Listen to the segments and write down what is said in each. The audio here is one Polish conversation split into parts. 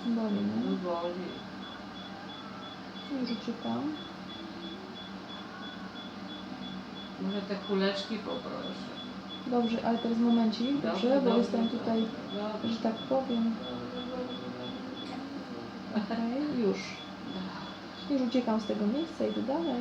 Boli, nie? No boli. Już uciekam. Może te kuleczki poproszę. Dobrze, ale teraz momencik, dobrze? Bo jestem tutaj, że tak powiem. Okej, już. Już uciekam z tego miejsca, idę dalej.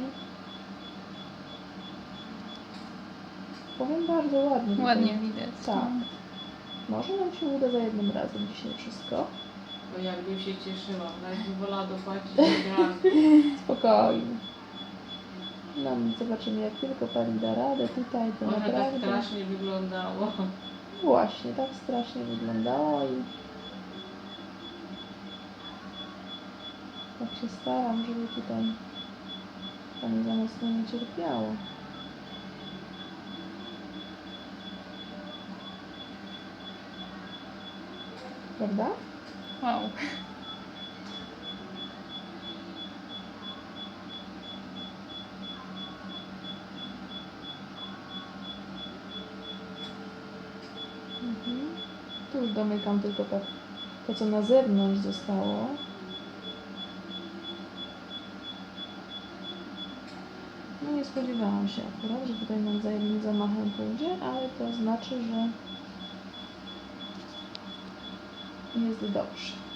Powiem bardzo ładnie. Tutaj. Ładnie widać. Tak. Może nam się uda za jednym razem dzisiaj wszystko. Bo jakbym się cieszyła, nawet bym wolała dopłacić do bramki. Spokojnie. No, zobaczymy, jak tylko Pani da radę tutaj, to Może tak naprawdę... strasznie wyglądało. Właśnie, tak strasznie wyglądało i... Tak się staram, żeby tutaj Pani za mocno nie cierpiało. Prawda? Wow. Tu już domykam tylko to, co na zewnątrz zostało. No nie spodziewałam się akurat, że tutaj nam za jednym zamachem pójdzie, ale to znaczy, że jest dobrze.